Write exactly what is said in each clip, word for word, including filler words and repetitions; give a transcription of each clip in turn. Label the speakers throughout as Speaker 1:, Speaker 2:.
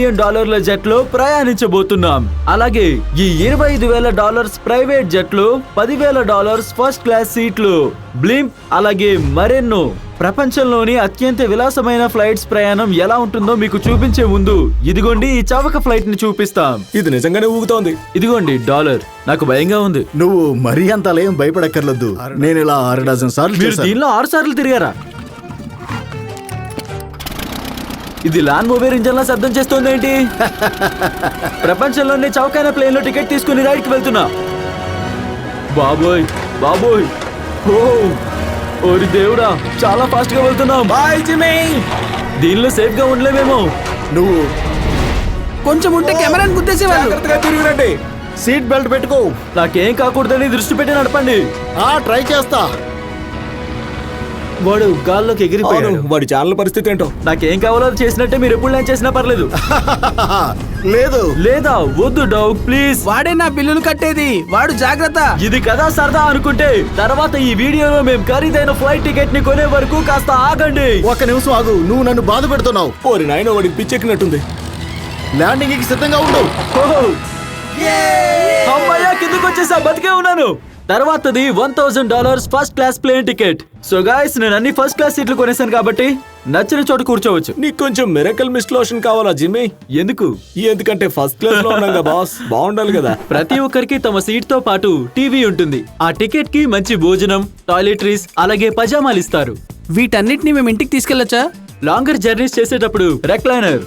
Speaker 1: డాలర్ల జెట్ లో ప్రయాణించబోతున్నాం. అలాగే ఈ ఇరవై ఐదు వేల డాలర్స్ ప్రైవేట్ జెట్ లో పదివేల డాలర్స్ ఫస్ట్ క్లాస్ సీట్లు, బ్లింప్, అలాగే మరెన్నో. ప్రపంచంలోని అత్యంత విలాసమైన ఫ్లైట్స్ ప్రయాణం ఎలా ఉంటుందో మీకు చూపించే ముందు ఇదిగోండి ఈ చవక ఫ్లైట్ ని చూపిస్తాం.
Speaker 2: ఇది నిజంగానే ఊగుతోంది.
Speaker 1: ఇదిగోండి డాలర్. నాకు భయంగా ఉంది.
Speaker 3: నువ్వు మరీ అంత అలేం భయపడక్కర్లేదు. నేను ఇలా ఆరు డజన్ సార్లు
Speaker 1: మీరు దీనిలో ఆరు సార్లు తిరిగారా? ఇది లాన్ మూవర్ ఇంజన్ లా శబ్దం చేస్తుంది ఏంటి? ప్రపంచంలోనే చౌకైన ప్లేన్ లో టికెట్ తీసుకుని రైడ్ కి వెళ్తున్నా. బాబోయ్ బాబోయ్, ఓ ఓరి దేవుడా, చాలా ఫాస్ట్ గా వెళ్తున్నాం.
Speaker 2: Bye Jimmy.
Speaker 1: దీనిలో సేఫ్ గా ఉండలేమేమో.
Speaker 3: నువ్వు
Speaker 4: కొంచెం ఉంటే కెమెరాని గుద్దేసేవాళ్ళు.
Speaker 2: జాగ్రత్తగా తిరిగిరండి.
Speaker 3: సీట్ బెల్ట్ పెట్టుకో.
Speaker 1: నాకేం కాకూడదని దృష్టి పెట్టి నడపండి.
Speaker 3: ఆ ట్రై చేస్తా.
Speaker 1: వాడు గాల్లోకి ఎగిరిపోయాడు.
Speaker 2: అవును, వాడి ఛానల్ పరిస్థితి ఏంటో.
Speaker 1: నాకేం కావాలో అది చేసినట్టే మీరు ఎప్పుడు నేను చేసినా పర్లేదు.
Speaker 3: లేదు
Speaker 1: లేదా వద్దు డాగ్ ప్లీజ్.
Speaker 4: వాడే నా బిల్లులు కట్టేది. వాడు జాగ్రత్త.
Speaker 1: ఇది కదా సరదా అనుకుంటే తర్వాత ఈ వీడియోలో మేము ఖరీదైన ఫ్లైట్ టికెట్ ని కొనే వరకు కాస్త ఆగండి.
Speaker 3: ఒక నిమిషం ఆగు. నువ్వు నన్ను బాధ పెడుతున్నావు.
Speaker 2: ఓరి నాయన, వాడికి పిచ్చెక్కినట్టుంది.
Speaker 3: ల్యాండింగ్ కి సిద్ధంగా ఉండు.
Speaker 1: అమ్మాయ్యా, కిందకు వచ్చేసా, బతికే ఉన్నాను. తర్వాతది one thousand dollars first class plane ticket. So guys, నేను అన్ని ఫస్ట్ క్లాస్ సీట్లు కొనేసాను కాబట్టి నచ్చిన చోట కూర్చోవచ్చు.
Speaker 2: నీకు కొంచెం మిరకల్ మిస్ట్ లోషన్ కావాలా జిమ్మీ?
Speaker 1: ఎందుకు?
Speaker 2: ఎందుకంటే ఫస్ట్ క్లాస్ లో ఉన్నాం కదా బాస్, బాగుండాలి కదా.
Speaker 1: ప్రతి ఒక్కరికి తమ సీట్ తో పాటు టీవీ ఉంటుంది. ఆ టికెట్ కి మంచి భోజనం, టాయిలెటరీస్, అలాగే పజామాలు ఇస్తారు.
Speaker 4: వీటన్నిటిని మేము ఇంటికి తీసుకెళ్లొచ్చా?
Speaker 1: లాంగర్ జర్నీస్ చేసేటప్పుడు రెక్లైనర్,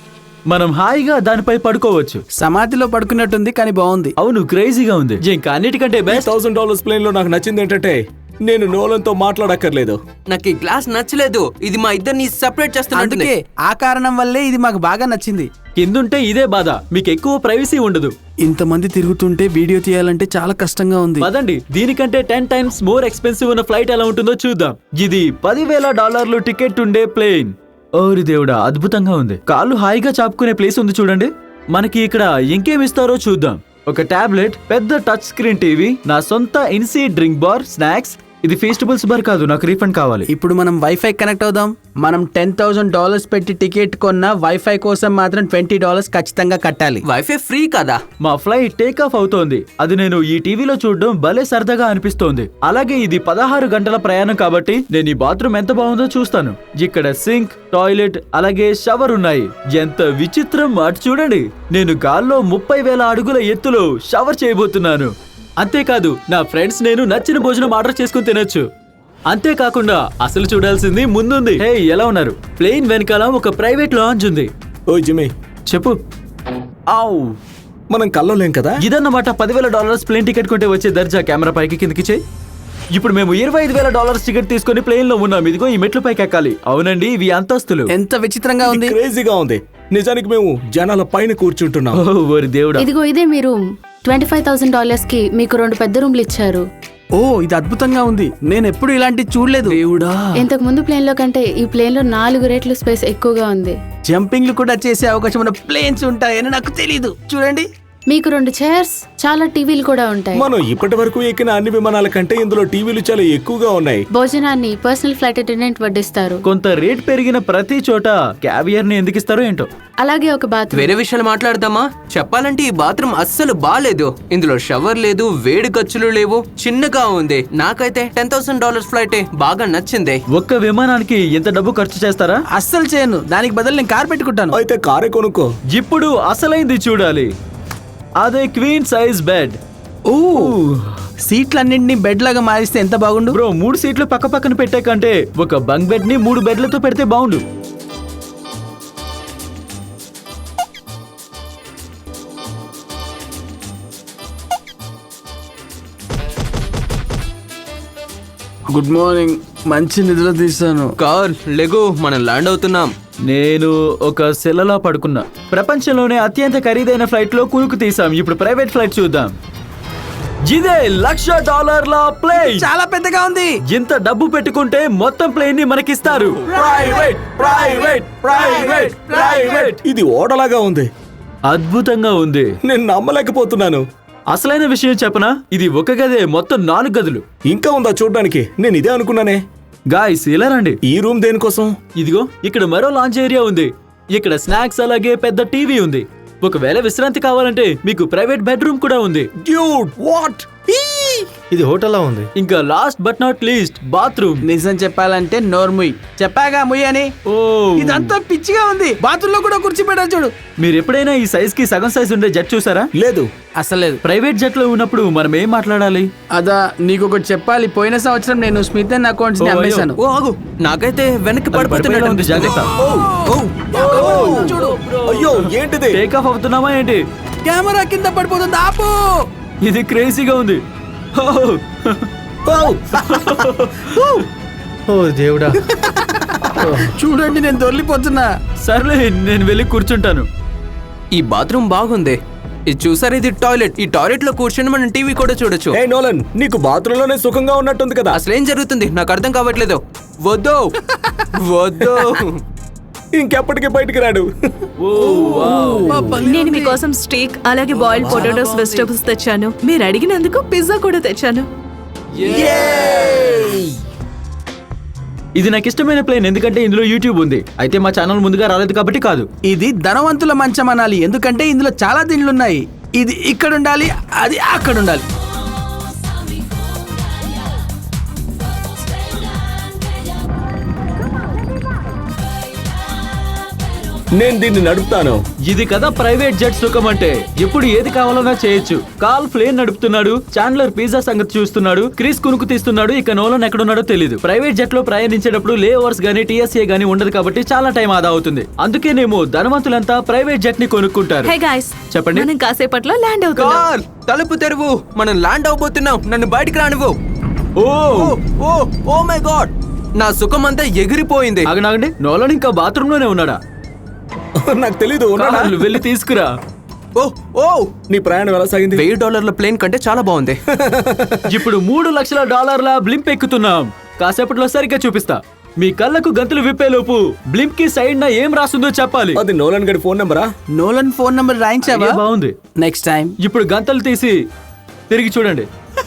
Speaker 1: మనం హాయిగా దానిపై పడుకోవచ్చు.
Speaker 4: సమాధిలో పడుకున్నట్టుంది కానీ బాగుంది.
Speaker 1: అవును, క్రేజీగా ఉంది. ఇంకా అన్నిటికంటే బెస్ట్
Speaker 2: థౌసండ్ డాలర్స్ ప్లేన్ లో నాకు నచ్చింది ఏంటంటే నేను నోలన్ తో మాట్లాడక్కర్లేదు.
Speaker 5: నాకు ఈ గ్లాస్ నచ్చలేదు. ఇది మా ఇద్దరిని సెపరేట్ చేస్తున్నట్టు.
Speaker 4: అందుకే ఆ కారణం వల్లే ఇది మాకు బాగా నచ్చింది.
Speaker 1: కిందుంటే ఇదే బాధ, మీకు ఎక్కువ ప్రైవసీ ఉండదు.
Speaker 4: ఇంతమంది తిరుగుతుంటే వీడియో తీయాలంటే చాలా కష్టంగా ఉంది.
Speaker 1: పదండి, దీనికంటే టెన్ టైమ్స్ మోర్ ఎక్స్పెన్సివ్ ఉన్న ఫ్లైట్ ఎలా ఉంటుందో చూద్దాం. ఇది పదివేల డాలర్లు టికెట్ ఉండే ప్లేన్. ఓరి దేవుడా, అద్భుతంగా ఉంది. కాళ్ళు హాయిగా చాపుకునే ప్లేస్ ఉంది చూడండి. మనకి ఇక్కడ ఇంకేం ఇస్తారో చూద్దాం. ఒక టాబ్లెట్, పెద్ద టచ్ స్క్రీన్ టీవీ, నా సొంత ఇన్సీ డ్రింక్ బార్, స్నాక్స్. ఇది ఫెస్టివల్స్ బార్ కాదు, నాకు రీఫండ్ కావాలి.
Speaker 4: ఇప్పుడు మనం వైఫై కనెక్ట్ అవుదాం. మనం టెన్ థౌసండ్ డాలర్స్ పెట్టి టికెట్ కొన్న వైఫై కోసం మాత్రం ట్వంటీ డాలర్స్ ఖచ్చితంగా కట్టాలి.
Speaker 5: వైఫై ఫ్రీ కదా?
Speaker 1: మా ఫ్లైట్ టేక్ ఆఫ్ అవుతోంది. అది నేను ఈ టీవీలో చూడడం భలే సరదాగా అనిపిస్తోంది. అలాగే ఇది పదహారు గంటల ప్రయాణం కాబట్టి నేను ఈ బాత్రూమ్ ఎంత బాగుందో చూస్తాను. ఇక్కడ సింక్, టాయిలెట్, అలాగే షవర్ ఉన్నాయి. ఎంత విచిత్రం, అటు చూడండి. నేను గాల్లో ముప్పై వేల అడుగుల ఎత్తులో షవర్ చేయబోతున్నాను. అంతేకాదు, నా ఫ్రెండ్స్ నేను నచ్చిన భోజనం ఆర్డర్ చేసుకుని తినొచ్చు. అంతేకాకుండా అసలు చూడాల్సింది ముందుంది. హే, ఎలా ఉన్నారు? ప్లేన్ వెనకాల ఒక ప్రైవేట్ లాంజ్ ఉంది.
Speaker 2: ఓ జిమ్మీ,
Speaker 1: చెప్పు. ఆవ్,
Speaker 2: మనం కలవలేం కదా.
Speaker 1: ఇదన్నమాట పదివేల డాలర్స్ ప్లేన్ టికెట్ కొంటే వచ్చే దర్జా. కెమెరా పైకి కిందకి చేయి. ఇప్పుడు మేము ఇరవై ఐదు వేల డాలర్స్ టికెట్ తీసుకుని ప్లేన్ లో ఉన్నాం. ఇదిగో ఈ మెట్లు పైకి ఎక్కాలి. అవునండి, ఇవి అంతస్తులు.
Speaker 4: ఎంత విచిత్రంగా ఉంది.
Speaker 2: క్రేజీగా ఉంది. నిజానికి మేము జనాల పైన కూర్చుంటున్నాం.
Speaker 1: ఓ, ఓరి దేవుడా.
Speaker 6: ఇదిగో ఇదే మీ room. Twenty five thousand dollars కి మీకు రెండు పెద్ద రూమ్లు ఇచ్చారు.
Speaker 4: ఓ, ఇది అద్భుతంగా ఉంది. నేను ఎప్పుడు ఇలాంటి చూడలేదు.
Speaker 1: దేవుడా,
Speaker 6: ఇంతకు ముందు ప్లేన్ లో కంటే ఈ ప్లేన్ లో నాలుగు రెట్లు స్పేస్ ఎక్కువగా ఉంది.
Speaker 4: జంపింగ్లు కూడా చేసే అవకాశం ఉన్న ప్లేన్స్ ఉంటాయని నాకు తెలీదు. చూడండి,
Speaker 6: మీకు రెండు చైర్స్, చాలా టీవీలు కూడా ఉంటాయి.
Speaker 2: మనం ఇప్పటి వరకు ఎక్కిన అన్ని విమానాల కంటే ఇందులో టీవీలు చాలా ఎక్కువగా ఉన్నాయి.
Speaker 6: భోజనాన్ని పర్సనల్ ఫ్లైట్ అటెండెంట్ వడ్డిస్తారు.
Speaker 1: కొంత రేట్ పెరిగిన ప్రతి చోట క్యావియర్ ని ఎందుకు ఇస్తారో ఏంటో.
Speaker 6: అలాగే ఒక బాత్.
Speaker 5: వేరే విషయాలు మాట్లాడదామా? చెప్పాలంటే ఈ బాత్రూమ్ అస్సలు బాలేదు. ఇందులో షవర్ లేదు, వేడి ఖర్చులు లేవు, చిన్నగా ఉంది. నాకైతే టెన్ థౌసండ్ డాలర్స్ ఫ్లైట్ బాగా నచ్చింది.
Speaker 1: ఒక్క విమానానికి ఎంత డబ్బు ఖర్చు చేస్తారా?
Speaker 4: అస్సలు చేయను. దానికి బదులు నేను కార్ పెట్టుకుంటాను.
Speaker 2: అయితే కారే కొనుక్కో.
Speaker 1: ఇప్పుడు అసలైంది చూడాలి. అదే క్వీన్ సైజ్ బెడ్.
Speaker 4: ఓ, సీట్లన్నింటినీ బెడ్ లాగా మారిస్తే ఎంత బాగుండు.
Speaker 1: బ్రో, మూడు సీట్లు పక్క పక్కన పెట్టే కంటే ఒక బంక్ బెడ్ ని మూడు బెడ్లతో పెడితే బాగుండు.
Speaker 4: Good morning. మంచి నిద్ర తీస్తాను.
Speaker 5: కార్ లెగో, మనం ల్యాండ్ అవుతున్నాం.
Speaker 1: నేను ఒక సెలలా పడుకున్నా. ప్రపంచంలోనే అత్యంత ఖరీదైన ఫ్లైట్ లో కునుకు తీసాం. ఇప్పుడు ప్రైవేట్ ఫ్లైట్ చూద్దాం. ఇదే లక్ష డాలర్ల ప్లేన్.
Speaker 4: చాలా పెద్దగా ఉంది.
Speaker 1: ఇంత డబ్బు పెట్టుకుంటే మొత్తం ప్లేన్ ని మనకిస్తారు.
Speaker 2: ప్రైవేట్ ప్రైవేట్ ప్రైవేట్ ప్రైవేట్ ఇది ఓడలాగా ఉంది.
Speaker 1: అద్భుతంగా ఉంది.
Speaker 2: నేను నమ్మలేకపోతున్నాను.
Speaker 1: అసలైన విషయం చెప్పనా, ఇది ఒక గదే, మొత్తం నాలుగు గదులు.
Speaker 2: ఇంకా ఉందా చూడ్డానికి? నేను ఇదే అనుకున్నానే.
Speaker 1: గాయ్స్, ఇలా రండి.
Speaker 2: ఈ రూమ్ దేనికోసం?
Speaker 1: ఇదిగో ఇక్కడ మరో లాంచ్ ఏరియా ఉంది. ఇక్కడ స్నాక్స్ అలాగే పెద్ద టీవీ ఉంది. ఒకవేళ విశ్రాంతి కావాలంటే మీకు ప్రైవేట్ బెడ్రూమ్ కూడా ఉంది.
Speaker 2: డ్యూడ్ వాట్
Speaker 3: ఇది హోటల్లా ఉంది.
Speaker 1: ఇంకా last but not least bathroom.
Speaker 4: నిజం చెప్పాలంటే నోర్ముయ్ చెప్పాగా ముయ్ అని.
Speaker 1: ఓ
Speaker 4: ఇదంతా పిచ్చిగా ఉంది. బాత్రూమ్ లో కూడా కుర్చీ పెట్టారు చూడు.
Speaker 1: మీరు ఎప్పుడైనా ఈ సైజ్ కి సగం సైజ్ ఉండే జెట్ చూసారా?
Speaker 2: లేదు.
Speaker 4: అసలు
Speaker 1: ప్రైవేట్ జెట్ లో ఉన్నప్పుడు మనం ఏం మాట్లాడాలి?
Speaker 4: అదా నీకు ఒకటి చెప్పాలి. పోయిన సంవత్సరం నేను స్మిత్ అండ్ అకౌంట్స్ ని
Speaker 1: ఓ, అయ్యో.
Speaker 4: అమ్మేశాను.
Speaker 5: ఓ ఆగు, నాకైతే వెనక్కి
Speaker 1: అది పడిపోయేలా
Speaker 5: పడిపోతున్నట్టు
Speaker 1: ఉంది, జాగ్రత్త.
Speaker 2: చూడు. అయ్యో ఏంటిది?
Speaker 1: టేక్ ఆఫ్ అవుతున్నామా ఏంటి?
Speaker 4: కెమెరా కింద పడిపోతుంది, ఆపు.
Speaker 1: ఇది క్రేజీగా ఉంది. ఓ,
Speaker 3: ఓ దేవుడా.
Speaker 4: చూడండి నేను దొర్లిపోతున్నా.
Speaker 1: సర్లే నేను వెళ్ళి కూర్చుంటాను.
Speaker 5: ఈ బాత్రూమ్ బాగుంది. ఇది చూసారు, ఇది టాయిలెట్. ఈ టాయిలెట్ లో కూర్చొని మనం టీవీ కూడా చూడొచ్చు.
Speaker 2: ఏ నోలన్, నీకు బాత్రూమ్ లోనే సుఖంగా ఉన్నట్టుంది కదా.
Speaker 5: అసలు ఏం జరుగుతుంది నాకు అర్థం కావట్లేదు. వద్దు వద్దు.
Speaker 2: ఇంకెప్పటికీ బయటికి రాడు.
Speaker 7: నేను మీకోసం స్టేక్ అలాగే బాయిల్డ్ పొటాటోస్ వెజిటబుల్స్ తెచ్చాను. మీరు అడిగినందుకు పిజ్జా కూడా తెచ్చాను.
Speaker 1: ఇది నాకు ఇష్టమైన ప్లేన్ ఎందుకంటే ఇందులో యూట్యూబ్ ఉంది. అయితే మా ఛానల్ ముందుగా రాలేదు కాబట్టి కాదు.
Speaker 4: ఇది ధనవంతుల మంచం అనాలి, ఎందుకంటే ఇందులో చాలా దిండ్లు ఉన్నాయి. ఇది ఇక్కడ ఉండాలి, అది అక్కడ ఉండాలి.
Speaker 2: నేను దీన్ని నడుపుతాను.
Speaker 1: ఇది కదా ప్రైవేట్ జెట్ సుఖం అంటే. ఎప్పుడు ఏది కావాలన్నా చేయొచ్చు. కాల్ ప్లేన్ నడుపుతున్నాడు, చాండ్లర్ పిజ్జా సంగతి చూస్తున్నాడు, క్రిస్ కునుకు తీస్తున్నాడు. ఇక నోలన్ ఎక్కడున్నాడో తెలియదు. ప్రైవేట్ జెట్ లో ప్రయాణించేటప్పుడు లే ఓవర్స్ గానీ టీఎస్ఏ గానీ ఉండదు కాబట్టి చాలా టైం ఆదా అవుతుంది. అందుకేనేమో ధనవంతులంతా ప్రైవేట్ జెట్ ని కొనుక్కుంటారు.
Speaker 7: హే గైస్,
Speaker 1: చెప్పండి.
Speaker 7: మనం కాసేపట్లో ల్యాండ్ అవుతున్నాం.
Speaker 5: కార్ తలుపు తెరువు, మనం ల్యాండ్ అవబోతున్నాం. నన్ను బయటికి రానివ్వు.
Speaker 1: ఓ
Speaker 5: ఓ ఓ ఓ మై గాడ్, నా సుఖం అంతా ఎగిరిపోయింది.
Speaker 1: ఆగనాగండి, నోలన్ ఇంకా బాత్రూమ్ లోనే ఉన్నాడా?
Speaker 2: నాకు తెలీదు. ఉన్నాడా?
Speaker 1: కార్లు వెళ్ళి తీసుకురా.
Speaker 5: ఓ ఓ
Speaker 2: నీ ప్రయాణం ఎలా సాగింది?
Speaker 5: వెయ్యి డాలర్ల ప్లేన్ కంటే చాలా బాగుంది.
Speaker 1: ఇప్పుడు మూడు లక్షల డాలర్ల బ్లింప్ ఎక్కుతున్నాం. కాసేపట్లో సరిగ్గా చూపిస్తా. మీ కళ్ళకు గంతులు విప్పేలోపు బ్లింప్ కి సైడ్ నా ఏం రాస్తుందో చెప్పాలి.
Speaker 2: అది నోలన్ గడి ఫోన్ నెంబరా?
Speaker 4: నోలన్ ఫోన్ నంబర్ రాయించావా?
Speaker 1: ఏ బాగుంది.
Speaker 4: నెక్స్ట్ టైం
Speaker 1: ఇప్పుడు గంతలు తీసి తిరిగి చూడండి.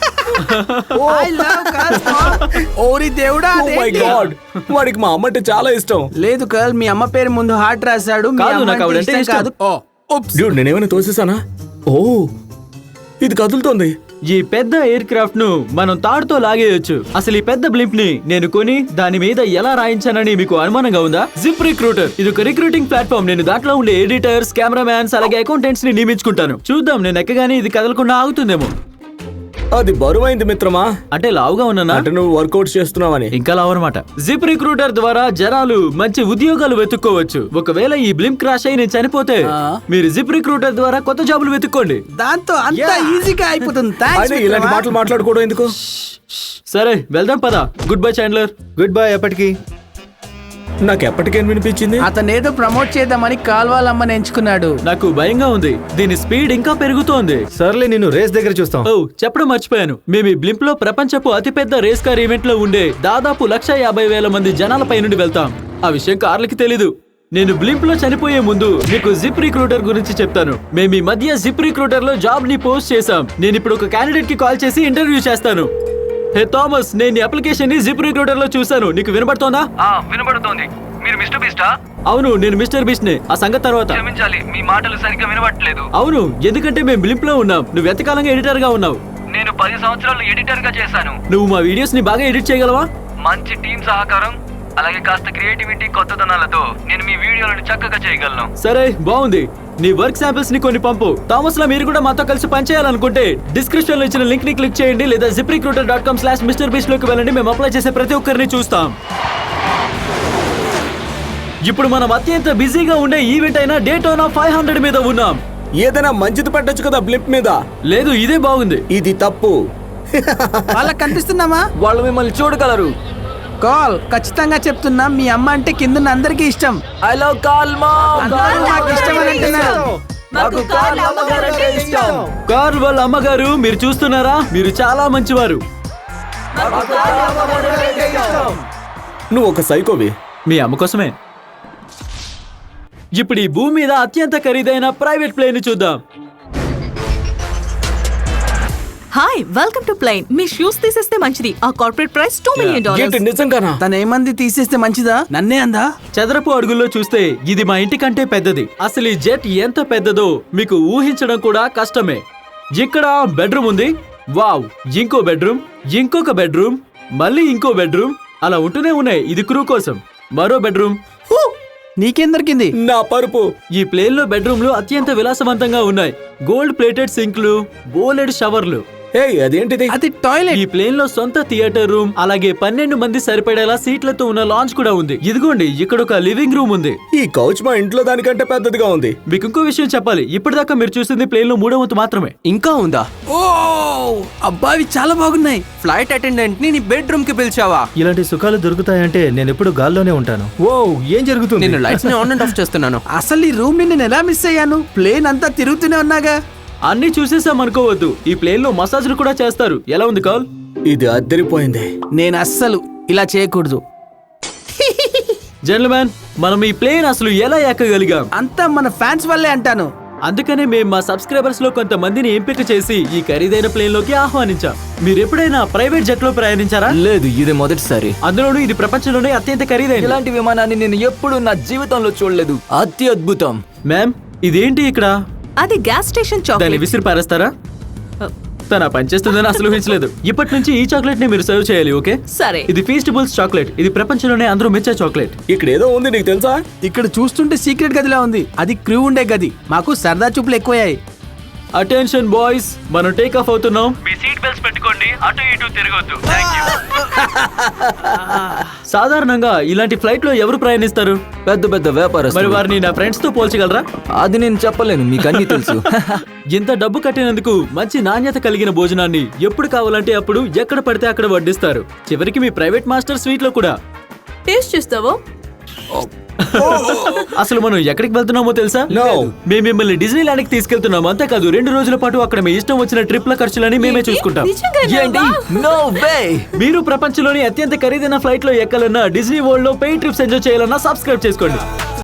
Speaker 4: ఓరి దేవుడా,
Speaker 2: Oh my
Speaker 4: అదేంటి?
Speaker 2: God. వాడికి మా అమ్మ అంటే చాలా ఇష్టం.
Speaker 4: లేదు కల్, మీ అమ్మ పేరు ముందు హార్ట్ రాశాడు. మీ
Speaker 1: కాదు,
Speaker 4: అమ్మ
Speaker 1: నాకు
Speaker 4: అంటే
Speaker 1: ఆవిడంటే
Speaker 4: ఇష్టం
Speaker 1: ఇష్టం.
Speaker 4: కాదు. ఓ, ఉప్స్.
Speaker 2: డ్యూడ్, నేనేమైనా తోసేసానా? ఓ ఇది కదులుతోంది.
Speaker 1: ఈ పెద్ద ఎయిర్ క్రాఫ్ట్ ను మనం తాడుతో లాగేయొచ్చు. అసలు ఈ పెద్ద బ్లింప్ ని నేను కొని దాని మీద ఎలా రాయించానని మీకు అనుమానంగా ఉందా? జిప్ రిక్రూటర్ ఇది ఒక రిక్రూటింగ్ ప్లాట్ఫామ్. నేను దాంట్లో ఉండే ఎడిటర్స్, కెమెరామ్యాన్స్ అలాగే అకౌంటెంట్స్ ని నియమించుకుంటాను. చూద్దాం నేను ఎక్కగానే ఇది కదలకుండా ఆగుతుందేమో.
Speaker 2: అది బరువైంది మిత్రమా.
Speaker 1: అంటే లావుగా ఉన్నానా?
Speaker 2: అంటే నువ్వు వర్కౌట్ చేస్తున్నావని.
Speaker 1: ఇంకా లావు అనమాట. జిప్ రిక్రూటర్ ద్వారా జనాలు మంచి ఉద్యోగాలు వెతుక్కోవచ్చు. ఒకవేళ ఈ బ్లింప్ క్రాష్ అయి నేను చనిపోతే
Speaker 4: ఆ.
Speaker 1: మీరు జిప్ రిక్రూటర్ ద్వారా కొత్త జాబులు వెతుక్కోండి.
Speaker 4: దాంతో అంత ఈజీగా అయిపోతుంది. Thanks,
Speaker 2: అయినా ఇలాంటి
Speaker 4: మిత్రమా.
Speaker 2: మాటలు మాట్లాడుకోవడం ఎందుకు?
Speaker 1: సరే వెళ్దాం పదా. Goodbye Chandler.
Speaker 3: Goodbye. ఎప్పటికి?
Speaker 2: నాకు ఎప్పటికేం వినిపించింది.
Speaker 4: అతనేదో ప్రమోట్ చేద్దామని కాల్వాలమ్మని ఎంచుకున్నాడు.
Speaker 1: నాకు భయంగా ఉంది. దీని స్పీడ్ ఇంకా పెరుగుతోంది.
Speaker 3: సర్లే, నేను రేస్ దగ్గర చూస్తాం.
Speaker 1: ఓ చెప్పడం మర్చిపోయాను. మేము ఈ బ్లింప్ లో ప్రపంచపు అతిపెద్ద రేస్ కార్ ఈవెంట్ లో ఉండే దాదాపు లక్ష యాభై వేల మంది జనాలపై నుండి వెళ్తాం. ఆ విషయం కార్లకి తెలీదు. నేను బ్లింప్ లో చనిపోయే ముందు మీకు జిప్ రిక్రూటర్ గురించి చెప్తాను. మేము ఈ మధ్య జిప్ రిక్రూటర్ లో జాబ్ ని పోస్ట్ చేశాం. నేను ఇప్పుడు ఒక క్యాండిడేట్ కి కాల్ చేసి ఇంటర్వ్యూ చేస్తాను. హే థామస్, నేను ఈ అప్లికేషన్ ని జిప్ రిక్రూటర్ లో చూశాను. నీకు వినబడుతోందా?
Speaker 8: వినబడుతోంది. మీరు మిస్టర్ బీస్టా?
Speaker 1: అవును, నేను మిస్టర్ బీస్ట్ నే. ఆ సంగతి తర్వాత.
Speaker 8: క్షమించాలి, మీ మాటలు సరిగ్గా వినబడట్లేదు.
Speaker 1: అవును, ఎందుకంటే మేము బ్లింప్ లో ఉన్నాం. నువ్వు ఎంతకాలంగా ఎడిటర్ గా ఉన్నావు?
Speaker 8: నేను పది సంవత్సరాలు ఎడిటర్ గా చేశాను.
Speaker 1: నువ్వు మా వీడియోస్ ని బాగా ఎడిట్ చేయగలవా?
Speaker 8: మంచి టీం సహకారం అలాగే కాస్త క్రియేటివిటీ కొత్తదనాలతో నేను మీ వీడియోలను చక్కగా చేయగలను.
Speaker 1: సరే బాగుంది. నీ వర్క్ శాంపిల్స్ ని కొన్ని పంపు. థామస్ లా మీరు కూడా మాతో కలిసి పనిచేయాలనుకుంటే డిస్క్రిప్షన్ లో ఇచ్చిన లింక్ ని క్లిక్ చేయండి లేదా ZipRecruiter dot com slash mister beast లోకి వెళ్ళండి. మేము అప్లై చేసే ప్రతి ఒక్కరిని చూస్తాం. ఇప్పుడు మనం అత్యంత బిజీగా ఉండే ఈవెంట్ అయిన డేటోనా ఫైవ్ హండ్రెడ్ మీద ఉన్నాం.
Speaker 2: ఏదైనా మంచిది పెట్టొచ్చు కదా బ్లింప్ మీద.
Speaker 1: లేదు, ఇదే బాగుంది.
Speaker 2: ఇది తప్పు.
Speaker 4: వాళ్ళకి కనిపిస్తున్నామా?
Speaker 5: వాళ్ళు మిమ్మల్ని చూడగలరు.
Speaker 4: కాల్ ఖచ్చితంగా చెప్తున్నా, మీ అమ్మ అంటే కింద అందరికీ ఇష్టం.
Speaker 5: I love Karl mom.
Speaker 4: అందరూ నాకు ఇష్టం అని అంటున్నారు.
Speaker 5: నాకు కాల్ అమ్మగారు అంటే ఇష్టం.
Speaker 1: కార్ల్ వాళ్ళ అమ్మగారు మీరు చూస్తున్నారా? మీరు చాలా మంచివారు.
Speaker 2: నువ్వు ఒక సైకోవి.
Speaker 1: మీ అమ్మ కోసమే. ఇప్పుడు ఈ భూమి మీద అత్యంత ఖరీదైన ప్రైవేట్ ప్లేన్ ని చూద్దాం.
Speaker 7: Hi welcome to plane. మీ షూస్ తీసేస్తే మంచిది. ఆ కార్పొరేట్ ప్రైస్ టూ మిలియన్
Speaker 2: ఏంటి
Speaker 7: డాలర్స్.
Speaker 2: నిజంగానా?
Speaker 4: తను ఏమంది తీసేస్తే మంచిదా? నన్నే అందా?
Speaker 1: చదరపు అడుగుల్లో చూస్తే ఇది మా ఇంటి కంటే పెద్దది. అసలు ఈ జెట్ ఎంత పెద్దదో మీకు ఊహించడం కూడా కష్టమే. ఇక్కడ బెడ్రూమ్ ఉంది. వావ్, ఇంకో బెడ్రూమ్, ఇంకొక బెడ్రూమ్, మళ్ళీ ఇంకో బెడ్రూమ్, అలా ఉంటూనే ఉన్నాయి. ఇది క్రూ కోసం. మరో బెడ్రూమ్.
Speaker 4: నీకేం దొరికింది?
Speaker 2: నా పరుపు.
Speaker 1: ఈ ప్లేన్ లో బెడ్రూమ్లు అత్యంత విలాసవంతంగా ఉన్నాయి. Gold plated సింక్లు, బోలెడ్ షవర్లు.
Speaker 2: హే అదేంటిది?
Speaker 4: అది టాయిలెట్.
Speaker 1: ఈ ప్లేన్ లో సొంత థియేటర్ రూమ్, అలాగే పన్నెండు మంది సరిపడేలా సీట్లతో ఉన్న లాంచ్ కూడా ఉంది. ఇదిగోండి, ఇక్కడ ఒక లివింగ్ రూమ్ ఉంది.
Speaker 2: ఈ కౌచ్ మా ఇంట్లో దానికంటే పెద్దదిగా ఉంది.
Speaker 1: మీకు ఇంకో విషయం చెప్పాలి. ఇప్పటిదాకా మీరు చూసింది ప్లేన్ లో మూడో వంతు మాత్రమే.
Speaker 5: ఇంకా ఉందా?
Speaker 4: ఓ అబ్బా, అవి చాలా బాగున్నాయి.
Speaker 5: ఫ్లైట్ అటెండెంట్ ని నీ బెడ్రూమ్ కి పిలిచావా?
Speaker 9: ఇలాంటి సుఖాలు దొరుకుతాయంటే నేను ఎప్పుడు గాల్లోనే ఉంటాను.
Speaker 3: ఓ ఏం జరుగుతుంది?
Speaker 5: నేను లైట్స్ ని ఆన్ అండ్ ఆఫ్ చేస్తున్నాను.
Speaker 4: అసలు ఈ రూమ్ ని నేను ఎలా మిస్ అయ్యాను? ప్లేన్ అంతా తిరుగుతూనే ఉన్నాగా.
Speaker 1: అన్ని చూసేసాం అనుకోవద్దు. ఈ ప్లేన్ లో మసాజ్లు కూడా చేస్తారు. ఎలా ఉంది కాల్?
Speaker 2: ఇది అద్దరిపోయింది.
Speaker 4: నేను అస్సలు ఇలా చేయకూడదు.
Speaker 1: జెంట్మెన్, మనం ఈ ప్లేన్ అసలు ఎలా ఎక్కగలిగాం?
Speaker 4: అంతా మన ఫ్యాన్స్ వల్లే అంటాను.
Speaker 1: అందుకనే మేము మా సబ్స్క్రైబర్స్ లో కొంతమందిని ఎంపిక చేసి ఈ ఖరీదైన ప్లేన్ లోకి ఆహ్వానించాం. మీరు ఎప్పుడైనా ప్రైవేట్ జెట్ లో ప్రయాణించారా?
Speaker 8: లేదు, ఇది మొదటిసారి.
Speaker 1: అందులోనూ ఇది ప్రపంచంలోనే అత్యంత ఖరీదైన.
Speaker 8: ఇలాంటి విమానాన్ని నేను ఎప్పుడు నా జీవితంలో చూడలేదు. అత్యద్భుతం.
Speaker 1: మ్యామ్, ఇదేంటి ఇక్కడ?
Speaker 7: అది గ్యాస్ స్టేషన్
Speaker 1: దాన్ని
Speaker 7: చాక్లెట్.
Speaker 1: విసిరి పారేస్తారా? తన పనిచేస్తుందని అసలు ఊహించలేదు. ఇప్పటి నుంచి ఈ చాక్లెట్ ని మీరు సర్వ్ చేయాలి, ఓకే?
Speaker 7: సరే.
Speaker 1: ఇది ఫీస్టబుల్స్ చాక్లెట్. ఇది ప్రపంచంలోనే అందరూ మెచ్చే చాక్లెట్.
Speaker 2: ఇక్కడ ఏదో ఉంది, నీకు తెలుసా?
Speaker 4: ఇక్కడ చూస్తుంటే సీక్రెట్ గదిలా ఉంది. అది క్రూ ఉండే గది. మాకు సరదా చూపులు ఎక్కువయ్యాయి.
Speaker 1: అటెన్షన్ బాయ్స్, మనం టేక్ ఆఫ్ అవుతున్నాం.
Speaker 8: మీ సీట్ బెల్ట్స్ పెట్టుకోండి, అటు ఇటు తిరగొద్దు. థాంక్యూ.
Speaker 1: సాధారణంగా ఇలాంటి ఫ్లైట్ లో ఎవరు ప్రయాణిస్తారు?
Speaker 8: పెద్ద పెద్ద
Speaker 1: మరి
Speaker 8: వ్యాపారస్తులు.
Speaker 1: వారిని నా ఫ్రెండ్స్ తో పోల్చగలరా?
Speaker 8: అది నేను చెప్పలేను, మీకు అన్ని తెలుసు.
Speaker 1: ఇంత డబ్బు కట్టినందుకు మంచి నాణ్యత కలిగిన భోజనాన్ని ఎప్పుడు కావాలంటే అప్పుడు ఎక్కడ పడితే అక్కడ వడ్డిస్తారు. చివరికి మీ ప్రైవేట్ మాస్టర్ స్వీట్ లో కూడా.
Speaker 7: టేస్ట్ చేస్తావో?
Speaker 1: అసలు మనం ఎక్కడికి వెళ్తున్నామో తెలుసా?
Speaker 2: No.
Speaker 1: మేము మిమ్మల్ని డిజ్నీ ల్యాండ్ కి తీసుకెళ్తున్నాం. అంతేకాదు, రెండు రోజుల పాటు అక్కడ మీ ఇష్టం వచ్చిన ట్రిప్ల ఖర్చులని మేమే
Speaker 7: ఏంటి?
Speaker 1: చూసుకుంటాం.
Speaker 7: నిజంగానా?
Speaker 8: ఏంటి?
Speaker 7: వావ్.
Speaker 8: No way.
Speaker 1: మీరు ప్రపంచంలోని అత్యంత ఖరీదైన ఫ్లైట్ లో ఎక్కాలన్నా, డిజ్నీ వరల్డ్ లో పెయిడ్ ట్రిప్స్ ఎంజాయ్ చేయాలన్నా సబ్స్క్రైబ్ చేసుకోండి.